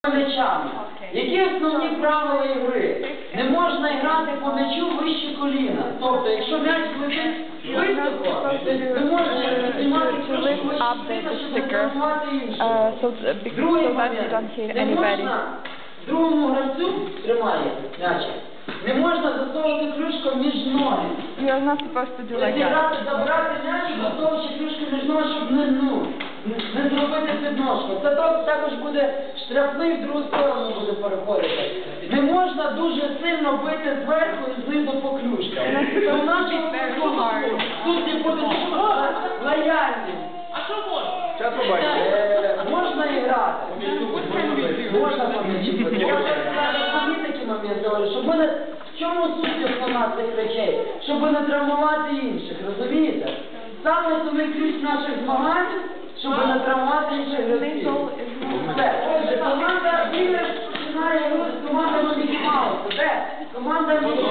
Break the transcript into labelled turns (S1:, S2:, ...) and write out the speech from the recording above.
S1: м'ячами. Які основні правила ігри? Не можна грати по м'ячу вище коліна. Тобто, якщо м'яч летить високо, то не можна піднімати трошки вище коліна, щоб не травмувати іншого. Другий момент. Не можна другому гравцю, тримає м'яча, не можна засовувати клюшку між ноги.
S2: You're not supposed to do like that.
S1: Зіграти, забрати м'яч і засовуючи клюшку між ноги, щоб не зробити підножку. Це також буде штрафний, в другу сторону буде переходити. Не можна дуже сильно бити зверху і знизу по клюшках. Тут не буде лояльність.
S3: А що можна?
S4: Зараз побачите.
S1: Можна і грати. Можна помічити. Можна такі моменти, щоб ми не... В чому суть основна цих речей? Щоб не травмувати інших, розумієте? Саме основний ключ наших змагань, щоб не травмувати інших гравців. Отже, команда Віллер починає гру з командами Мікі Маусу. Де? Команда Мікі